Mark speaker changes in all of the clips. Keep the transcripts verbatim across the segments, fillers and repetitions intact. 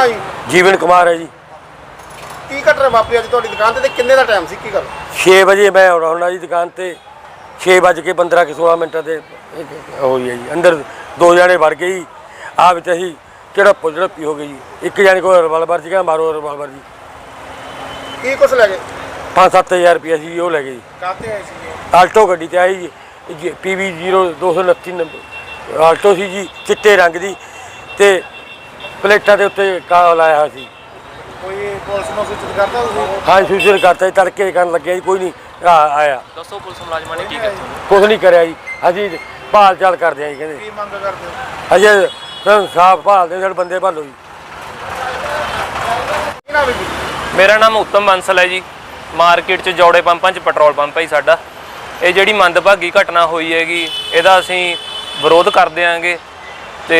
Speaker 1: ਨਾਂ ਜੀ?
Speaker 2: ਜੀਵਨ ਕੁਮਾਰ ਹੈ ਜੀ।
Speaker 1: ਕੀ ਘਟਨਾ ਵਾਪਰੀ ਅੱਜ ਤੁਹਾਡੀ ਦੁਕਾਨ ਤੇ ਕਿੰਨੇ ਦਾ ਟਾਈਮ ਸੀ, ਕੀ ਗੱਲ?
Speaker 2: ਛੇ ਵਜੇ ਮੈਂ ਆਉਣਾ ਜੀ ਦੁਕਾਨ ਤੇ, ਛੇ ਵੱਜ ਕੇ ਪੰਦਰਾਂ ਕੇ ਸੋਲਾਂ ਮਿੰਟਾਂ ਤੇ ਹੋਈ ਹੈ ਜੀ। ਅੰਦਰ ਦੋ ਜਣੇ ਵੜ ਗਏ ਜੀ, ਆ ਵਿੱਚ ਅਸੀਂ ਝੜਪ ਝੜਪੀ ਹੋ ਗਈ ਜੀ। ਇੱਕ ਜਣੇ ਕੋਲ ਰਿਵਾਲਵਰ ਸੀਗਾ, ਮਾਰੋ ਰਿਵਾਲਵਰ ਜੀ।
Speaker 1: ਕੀ ਕੁਛ ਲੈ ਗਏ?
Speaker 2: ਪੰਜ ਸੱਤ ਹਜ਼ਾਰ ਰੁਪਇਆ ਸੀ ਉਹ ਲੈ ਗਏ ਜੀ।
Speaker 1: ਕਾਹਤੇ ਆਏ ਸੀ?
Speaker 2: ਆਲਟੋ ਗੱਡੀ ਤੇ ਆਈ ਜੀ, ਪੀ ਵੀ ਜ਼ੀਰੋ ਦੋ ਸੌ ਉਨੱਤੀ ਨੰਬਰ ਆਲਟੋ ਸੀ ਜੀ, ਚਿੱਟੇ ਰੰਗ ਦੀ, ਤੇ ਪਲੇਟਾਂ ਦੇ ਉੱਤੇ ਕਾਲਾ ਲਾਇਆ ਹੋਇਆ ਸੀ।
Speaker 1: ਕੋਈ ਪੁਲਿਸ ਨੂੰ ਸੂਚਿਤ ਕਰਦਾ ਤੁਸੀਂ?
Speaker 2: ਹਾਂ ਸੂਚਿਤ ਕਰਤਾ ਜੀ, ਤੜਕੇ ਕਰਨ ਲੱਗਿਆ ਜੀ, ਕੋਈ ਨਹੀਂ ਆਇਆ।
Speaker 3: ਦੱਸੋ ਪੁਲਿਸ ਮੁਲਾਜ਼ਮਾਂ ਨੇ ਕੀ ਕੀਤਾ?
Speaker 2: ਕੁਛ ਨਹੀਂ ਕਰਿਆ ਜੀ, ਅਸੀਂ ਭਾਲ ਚਾਲ ਕਰਦੇ ਆ ਜੀ। ਕਹਿੰਦੇ
Speaker 1: ਕੀ ਮੰਗ ਕਰਦੇ ਹੋ?
Speaker 2: ਅਜੇ ਸਾਫ ਭਾਲਦੇ ਸਾਡੇ ਬੰਦੇ ਭਾਲੋ ਜੀ।
Speaker 1: ਕੀ ਨਾਮ ਹੈ ਜੀ?
Speaker 3: ਮੇਰਾ ਨਾਮ ਉੱਤਮ ਬੰਸਲ ਹੈ ਜੀ। ਮਾਰਕੀਟ 'ਚ ਜੋੜੇ ਪੰਪਾਂ 'ਚ ਪੈਟਰੋਲ ਪੰਪ ਹੈ ਜੀ ਸਾਡਾ। ਇਹ ਜਿਹੜੀ ਮੰਦਭਾਗੀ ਘਟਨਾ ਹੋਈ ਹੈਗੀ, ਇਹਦਾ ਅਸੀਂ ਵਿਰੋਧ ਕਰਦੇ ਆਂਗੇ। ਤੇ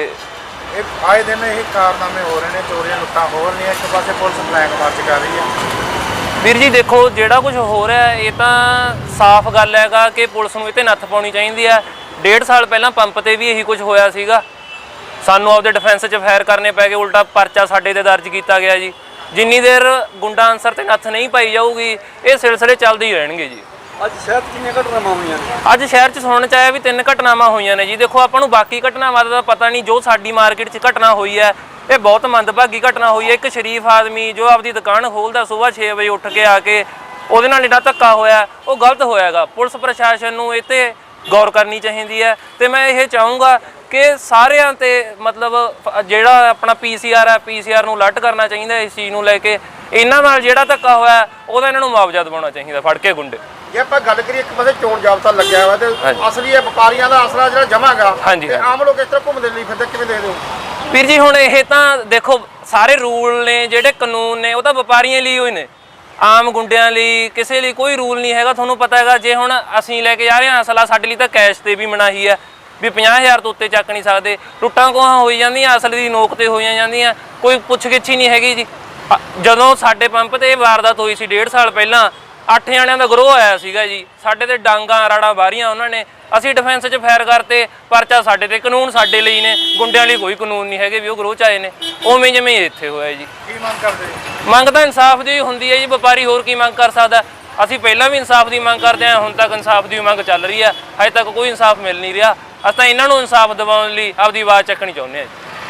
Speaker 1: ਇਹ ਆਏ ਦਿਨ ਇਹ ਕਾਰਨਾਮੇ ਹੋ ਰਹੇ ਨੇ, ਚੋਰੀਆਂ ਲੁੱਟਾਂ ਹੋ ਰਹੀਆਂ, ਇੱਕ ਪਾਸੇ ਪੁਲਿਸ ਬਲੈਕ ਮਾਰਚ ਕਰ ਰਹੀ ਹੈ।
Speaker 3: ਵੀਰ ਜੀ ਦੇਖੋ, ਜਿਹੜਾ ਕੁਝ ਹੋ ਰਿਹਾ ਇਹ ਤਾਂ ਸਾਫ਼ ਗੱਲ ਹੈਗਾ ਕਿ ਪੁਲਿਸ ਨੂੰ ਇਹ 'ਤੇ ਨੱਥ ਪਾਉਣੀ ਚਾਹੀਦੀ ਹੈ। ਡੇਢ ਸਾਲ ਪਹਿਲਾਂ ਪੰਪ 'ਤੇ ਵੀ ਇਹੀ ਕੁਝ ਹੋਇਆ ਸੀਗਾ, ਸਾਨੂੰ ਆਪਦੇ ਡਿਫੈਂਸ 'ਚ ਫਾਇਰ ਕਰਨੇ ਪੈ ਗਏ, ਉਲਟਾ ਪਰਚਾ ਸਾਡੇ 'ਤੇ ਦਰਜ ਕੀਤਾ ਗਿਆ ਜੀ। ਜਿੰਨੀ ਦੇਰ ਗੁੰਡਾ ਅਨਸਰ 'ਤੇ ਨੱਥ ਨਹੀਂ ਪਾਈ ਜਾਊਗੀ ਇਹ ਸਿਲਸਿਲੇ ਚੱਲਦੇ ਹੀ ਰਹਿਣਗੇ ਜੀ।
Speaker 1: ਅੱਜ ਸ਼ਹਿਰ 'ਚ ਕਿੰਨੀਆਂ ਘਟਨਾਵਾਂ ਹੋਈਆਂ ਨੇ?
Speaker 3: ਅੱਜ ਸ਼ਹਿਰ 'ਚ ਸੁਣਨ 'ਚ ਆਇਆ ਵੀ ਤਿੰਨ ਘਟਨਾਵਾਂ ਹੋਈਆਂ ਨੇ ਜੀ। ਦੇਖੋ ਆਪਾਂ ਨੂੰ ਬਾਕੀ ਘਟਨਾਵਾਂ ਦਾ ਪਤਾ ਨਹੀਂ, ਜੋ ਸਾਡੀ ਮਾਰਕੀਟ 'ਚ ਘਟਨਾ ਹੋਈ ਹੈ ਇਹ ਬਹੁਤ ਮੰਦਭਾਗੀ ਘਟਨਾ ਹੋਈ ਹੈ। ਇੱਕ ਸ਼ਰੀਫ ਆਦਮੀ ਜੋ ਆਪਦੀ ਦੁਕਾਨ ਖੋਲ੍ਹਦਾ ਸੁਬਾਹ ਛੇ ਵਜੇ ਉੱਠ ਕੇ ਆ ਕੇ, ਉਹਦੇ ਨਾਲ ਜਿਹੜਾ ਧੱਕਾ ਹੋਇਆ ਉਹ ਗਲਤ ਹੋਇਆਗਾ। ਪੁਲਿਸ ਪ੍ਰਸ਼ਾਸਨ ਨੂੰ ਇਹ 'ਤੇ ਗੌਰ ਕਰਨੀ ਚਾਹੀਦੀ ਹੈ। ਤੇ ਮੈਂ ਇਹ ਚਾਹੂੰਗਾ ਕਿ ਸਾਰਿਆਂ 'ਤੇ ਮਤਲਬ ਜਿਹੜਾ ਆਪਣਾ ਪੀ ਸੀ ਆਰ ਹੈ, ਪੀ ਸੀ ਆਰ ਨੂੰ ਅਲਰਟ ਕਰਨਾ ਚਾਹੀਦਾ ਇਸ ਚੀਜ਼ ਨੂੰ ਲੈ ਕੇ। ਇਹਨਾਂ ਨਾਲ ਜਿਹੜਾ ਧੱਕਾ ਹੋਇਆ ਉਹਦਾ ਇਹਨਾਂ ਨੂੰ ਮੁਆਵਜ਼ਾ ਦਿਵਾਉਣਾ ਚਾਹੀਦਾ, ਫੜ ਕੇ ਗੁੰਡੇ।
Speaker 1: ਜੇ ਆਪਾਂ ਗੱਲ ਕਰੀਏ, ਇੱਕ ਪਾਸੇ ਚੋਣ ਜਾਬਤਾ ਲੱਗਿਆ ਹੋਇਆ ਤੇ ਅਸਲੀ ਇਹ ਵਪਾਰੀਆਂ ਦਾ ਆਸਰਾ ਜਿਹੜਾ ਜਮ੍ਹਾਂ ਹੈਗਾ, ਤੇ ਆਮ ਲੋਕ ਇਸ ਤਰ੍ਹਾਂ ਘੁੰਮਦੇ ਲਈ ਫਿਰਦੇ, ਕਿਵੇਂ ਦੇਖਦੇ ਹੋ?
Speaker 3: ਵੀਰ ਜੀ ਹੁਣ ਇਹ ਤਾਂ ਦੇਖੋ, ਸਾਰੇ ਰੂਲ ਨੇ ਜਿਹੜੇ ਕਾਨੂੰਨ ਨੇ ਉਹ ਤਾਂ ਵਪਾਰੀਆਂ ਲਈ ਹੋਏ ਨੇ, ਆਮ ਗੁੰਡਿਆਂ ਲਈ ਕਿਸੇ ਲਈ ਕੋਈ ਰੂਲ ਨਹੀਂ ਹੈਗਾ। ਤੁਹਾਨੂੰ ਪਤਾ ਹੈਗਾ, ਜੇ ਹੁਣ ਅਸੀਂ ਲੈ ਕੇ ਜਾ ਰਹੇ ਹਾਂ ਅਸਲਾ, ਸਾਡੇ ਲਈ ਤਾਂ ਕੈਸ਼ 'ਤੇ ਵੀ ਮਨਾਹੀ ਹੈ ਵੀ ਪੰਜਾਹ ਹਜ਼ਾਰ ਤੋਂ ਉੱਤੇ ਚੱਕ ਨਹੀਂ ਸਕਦੇ। ਟੁੱਟਾਂ ਕੋਹਾਂ ਹੋਈ ਜਾਂਦੀਆਂ, ਅਸਲ ਦੀ ਨੋਕ 'ਤੇ ਹੋਈਆਂ ਜਾਂਦੀਆਂ, ਕੋਈ ਪੁੱਛ ਗਿੱਛ ਹੀ ਨਹੀਂ ਹੈਗੀ ਜੀ। ਜਦੋਂ ਸਾਡੇ ਪੰਪ 'ਤੇ ਇਹ ਵਾਰਦਾਤ ਹੋਈ ਸੀ ਡੇਢ ਸਾਲ ਪਹਿਲਾਂ, ਅੱਠ ਜਣਿਆਂ ਦਾ ਗਰੋਹ ਆਇਆ ਸੀਗਾ ਜੀ। ਸਾਡੇ 'ਤੇ ਡਾਂਗਾਂ ਰਾੜਾਂ ਬਾਰੀਆਂ ਉਹਨਾਂ ਨੇ, ਅਸੀਂ ਡਿਫੈਂਸ 'ਚ ਫਾਇਰ ਕਰਤੇ, ਪਰਚਾ ਸਾਡੇ 'ਤੇ। ਕਾਨੂੰਨ ਸਾਡੇ ਲਈ ਨੇ, ਗੁੰਡਿਆਂ ਲਈ ਕੋਈ ਕਾਨੂੰਨ ਨਹੀਂ ਹੈਗੇ ਵੀ ਉਹ ਗਰੋਹ 'ਚ ਆਏ ਨੇ। ਉਵੇਂ ਜਿਵੇਂ ਇੱਥੇ ਹੋਇਆ ਜੀ।
Speaker 1: ਕੀ ਮੰਗ ਕਰਦੇ?
Speaker 3: ਮੰਗ ਤਾਂ ਇਨਸਾਫ ਦੀ ਹੁੰਦੀ ਹੈ ਜੀ, ਵਪਾਰੀ ਹੋਰ ਕੀ ਮੰਗ ਕਰ ਸਕਦਾ। ਅਸੀਂ ਪਹਿਲਾਂ ਵੀ ਇਨਸਾਫ ਦੀ ਮੰਗ ਕਰਦੇ ਹਾਂ, ਹੁਣ ਤੱਕ ਇਨਸਾਫ ਦੀ ਮੰਗ ਚੱਲ ਰਹੀ ਹੈ, ਹਜੇ ਤੱਕ ਕੋਈ ਇਨਸਾਫ ਮਿਲ ਨਹੀਂ ਰਿਹਾ। ਅਸੀਂ ਤਾਂ ਇਹਨਾਂ ਨੂੰ ਇਨਸਾਫ ਦਿਵਾਉਣ ਲਈ ਆਪਦੀ ਆਵਾਜ਼ ਚੱਕਣੀ ਚਾਹੁੰਦੇ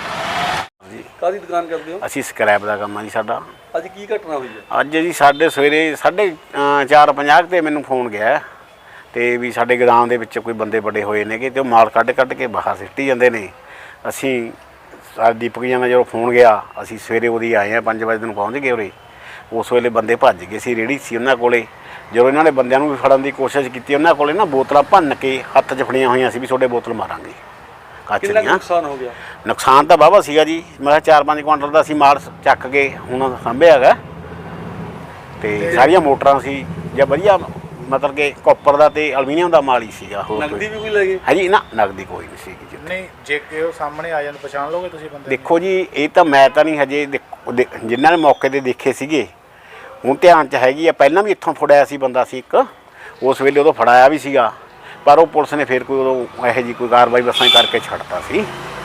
Speaker 3: ਹਾਂ ਜੀ।
Speaker 4: ਕਾਹਦੀ ਦੁਕਾਨ ਕਰਦੇ ਹੋ?
Speaker 5: ਅਸੀਂ ਸਕ੍ਰੈਪ ਦਾ ਕੰਮ ਆ ਜੀ ਸਾਡਾ।
Speaker 4: ਅੱਜ ਕੀ ਘਟਨਾ ਹੋਈ ਹੈ?
Speaker 5: ਅੱਜ ਜੀ ਸਾਡੇ ਸਵੇਰੇ ਸਾਢੇ ਚਾਰ ਪੰਜਾਹ 'ਤੇ ਮੈਨੂੰ ਫੋਨ ਗਿਆ ਤੇ ਵੀ ਸਾਡੇ ਗੋਦਾਮ ਦੇ ਵਿੱਚ ਕੋਈ ਬੰਦੇ ਵੱਡੇ ਹੋਏ ਨੇਗੇ ਤੇ ਉਹ ਮਾਲ ਕੱਢ ਕੱਢ ਕੇ ਬਾਹਰ ਸਿੱਟੀ ਜਾਂਦੇ ਨੇ। ਅਸੀਂ ਦੀਪਕ ਜੀ ਨਾਲ ਜਦੋਂ ਫੋਨ ਗਿਆ, ਅਸੀਂ ਸਵੇਰੇ ਉਹਦੀ ਆਏ ਹਾਂ, ਪੰਜ ਵਜੇ ਨੂੰ ਪਹੁੰਚ ਗਏ ਉਰੇ। ਉਸ ਵੇਲੇ ਬੰਦੇ ਭੱਜ ਗਏ ਸੀ, ਰੇਹੜੀ ਸੀ ਉਹਨਾਂ ਕੋਲੇ। ਜਦੋਂ ਇਹਨਾਂ ਨੇ ਬੰਦਿਆਂ ਨੂੰ ਵੀ ਫੜਨ ਦੀ ਕੋਸ਼ਿਸ਼ ਕੀਤੀ, ਉਹਨਾਂ ਕੋਲੇ ਨਾ ਬੋਤਲਾਂ ਭੰਨ ਕੇ ਹੱਥ 'ਚ ਫੜੀਆਂ ਹੋਈਆਂ ਸੀ ਵੀ ਤੁਹਾਡੇ ਬੋਤਲ ਮਾਰਾਂਗੇ ਕੱਚ ਦੀਆਂ।
Speaker 4: ਨੁਕਸਾਨ ਹੋ ਗਿਆ?
Speaker 5: ਨੁਕਸਾਨ ਤਾਂ ਵਾਹਵਾ ਸੀਗਾ ਜੀ। ਮੈਂ ਕਿਹਾ ਚਾਰ ਪੰਜ ਕੁਆਂਟਲ ਦਾ ਅਸੀਂ ਮਾਲ ਚੱਕ ਕੇ ਹੁਣ ਸਾਂਭਿਆ ਹੈਗਾ। ਤੇ ਸਾਰੀਆਂ ਮੋਟਰਾਂ ਸੀ ਜਾਂ ਵਧੀਆ, ਮਤਲਬ ਕਿ ਕਾਪਰ ਦਾ ਤੇ ਐਲੂਮੀਨੀਅਮ ਦਾ ਮਾਲ ਹੀ ਸੀਗਾ। ਹੋਰ
Speaker 4: ਨਗਦੀ ਵੀ ਕੋਈ ਲੈ ਗਏ?
Speaker 5: ਹਾਂਜੀ ਨਾ, ਨਗਦੀ ਕੋਈ ਨਹੀਂ ਸੀਗੀ ਜੀ।
Speaker 1: ਨਹੀਂ, ਜੇ ਕਿ ਉਹ ਸਾਹਮਣੇ ਆ ਜਾਣ ਪਛਾਣ ਲਓਗੇ ਤੁਸੀਂ ਬੰਦੇ?
Speaker 5: ਦੇਖੋ ਜੀ, ਇਹ ਤਾਂ ਮੈਂ ਤਾਂ ਨਹੀਂ ਹਜੇ, ਜਿਨ੍ਹਾਂ ਨੇ ਮੌਕੇ 'ਤੇ ਦੇਖੇ ਸੀਗੇ ਹੁਣ ਧਿਆਨ 'ਚ ਹੈਗੀ ਆ। ਪਹਿਲਾਂ ਵੀ ਇੱਥੋਂ ਫੜਾਇਆ ਸੀ ਬੰਦਾ ਸੀ ਇੱਕ, ਉਸ ਵੇਲੇ ਉਦੋਂ ਫੜਾਇਆ ਵੀ ਸੀਗਾ, ਪਰ ਉਹ ਪੁਲਿਸ ਨੇ ਫਿਰ ਕੋਈ ਉਦੋਂ ਇਹੋ ਜਿਹੀ ਕੋਈ ਕਾਰਵਾਈ ਵਸਾਂ ਕਰਕੇ ਛੱਡਤਾ ਸੀ।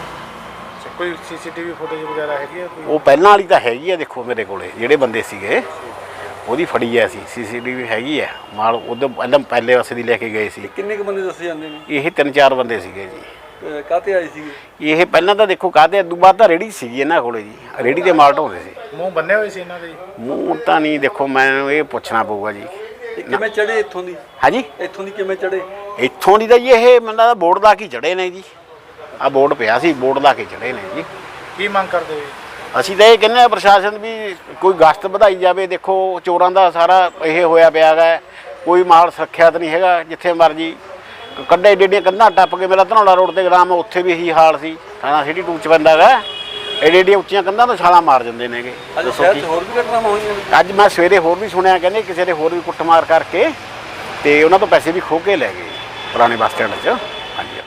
Speaker 1: ਕੋਈ ਸੀ ਸੀ ਟੀ ਵੀ ਫੁਟੇਜ ਵਗੈਰਾ ਹੈਗੀ ਆ?
Speaker 5: ਉਹ ਪਹਿਲਾਂ ਵਾਲੀ ਤਾਂ ਹੈਗੀ ਆ, ਦੇਖੋ ਮੇਰੇ ਕੋਲੇ ਜਿਹੜੇ ਬੰਦੇ ਸੀਗੇ ਉਹਦੀ ਫੜੀ ਐ ਸੀ, ਸੀ ਸੀ ਟੀ ਵੀ ਹੈਗੀ ਹੈ। ਮਾਲ ਉਦੋਂ ਪਹਿਲਾਂ ਪਹਿਲੇ ਪਾਸੇ ਦੀ ਲੈ ਕੇ ਗਏ ਸੀ।
Speaker 4: ਕਿੰਨੇ ਕੁ ਬੰਦੇ ਦੱਸੇ ਜਾਂਦੇ ਨੇ?
Speaker 5: ਇਹ ਤਿੰਨ ਚਾਰ ਬੰਦੇ ਸੀਗੇ ਜੀ।
Speaker 4: ਕਾਹਤੇ ਆਏ ਸੀਗੇ
Speaker 5: ਇਹ? ਪਹਿਲਾਂ ਤਾਂ ਦੇਖੋ ਕਾਹਤੇ, ਉਦੋਂ ਬਾਅਦ ਤਾਂ ਰੇਹੜੀ ਸੀਗੀ ਇਹਨਾਂ ਕੋਲੇ ਜੀ, ਰੇਹੜੀ 'ਤੇ ਮਾਲ ਢੋਂਦੇ ਸੀ।
Speaker 1: ਮੂੰਹ ਬੰਨੇ ਹੋਏ ਸੀ ਇਹਨਾਂ ਦੇ?
Speaker 5: ਮੂੰਹ ਤਾਂ ਨਹੀਂ, ਦੇਖੋ ਮੈਨੂੰ ਇਹ ਪੁੱਛਣਾ ਪਊਗਾ ਜੀ।
Speaker 4: ਕਿਵੇਂ ਚੜੇ ਇੱਥੋਂ ਦੀ?
Speaker 5: ਹਾਂਜੀ,
Speaker 4: ਇੱਥੋਂ ਦੀ ਕਿਵੇਂ ਚੜੇ?
Speaker 5: ਇੱਥੋਂ ਦੀ ਤਾਂ ਜੀ ਇਹ ਮੈਨੂੰ ਲੱਗਦਾ ਬੋਰਡ ਲਾ ਕੇ ਚੜੇ ਨੇ ਜੀ। ਆਹ ਬੋਰਡ ਪਿਆ ਸੀ, ਬੋਰਡ ਲਾ ਕੇ ਚੜੇ ਨੇ ਜੀ।
Speaker 1: ਕੀ ਮੰਗ ਕਰਦੇ ਹੋ?
Speaker 5: ਅਸੀਂ ਤਾਂ ਇਹ ਕਹਿੰਦੇ ਹਾਂ ਪ੍ਰਸ਼ਾਸਨ ਵੀ ਕੋਈ ਗਸ਼ਤ ਵਧਾਈ ਜਾਵੇ। ਦੇਖੋ ਚੋਰਾਂ ਦਾ ਸਾਰਾ ਇਹ ਹੋਇਆ ਪਿਆ ਗਾ, ਕੋਈ ਮਾਲ ਸੁਰੱਖਿਅਤ ਨਹੀਂ ਹੈਗਾ। ਜਿੱਥੇ ਮਰਜੀ ਕੱਢੇ ਏਡੀਆਂ ਏਡੀਆਂ ਕੰਧਾਂ ਟੱਪ ਕੇ, ਮੇਰਾ ਧਨੌਲਾ ਰੋਡ 'ਤੇ ਗਰਾਮ, ਉੱਥੇ ਵੀ ਇਹੀ ਹਾਲ ਸੀ। ਥਾਣਾ ਸਿਟੀ ਟੂ 'ਚ ਪੈਂਦਾ ਗਾ, ਏਡੀਆਂ ਏਡੀਆਂ ਉੱਚੀਆਂ ਕੰਧਾਂ ਤੋਂ ਛਾਲਾਂ ਮਾਰ ਜਾਂਦੇ ਨੇਗੇ।
Speaker 4: ਅੱਜ ਸ਼ਹਿਰ 'ਚ ਹੋਰ ਵੀ ਘਟਨਾਵਾਂ ਹੋਈਆਂ?
Speaker 5: ਅੱਜ ਮੈਂ ਸਵੇਰੇ ਹੋਰ ਵੀ ਸੁਣਿਆ, ਕਹਿੰਦੇ ਕਿਸੇ ਦੇ ਹੋਰ ਵੀ ਕੁੱਟਮਾਰ ਕਰਕੇ ਤੇ ਉਹਨਾਂ ਤੋਂ ਪੈਸੇ ਵੀ ਖੋਹ ਕੇ ਲੈ ਗਏ ਪੁਰਾਣੇ ਬੱਸ ਸਟੈਂਡ 'ਚ। ਹਾਂਜੀ।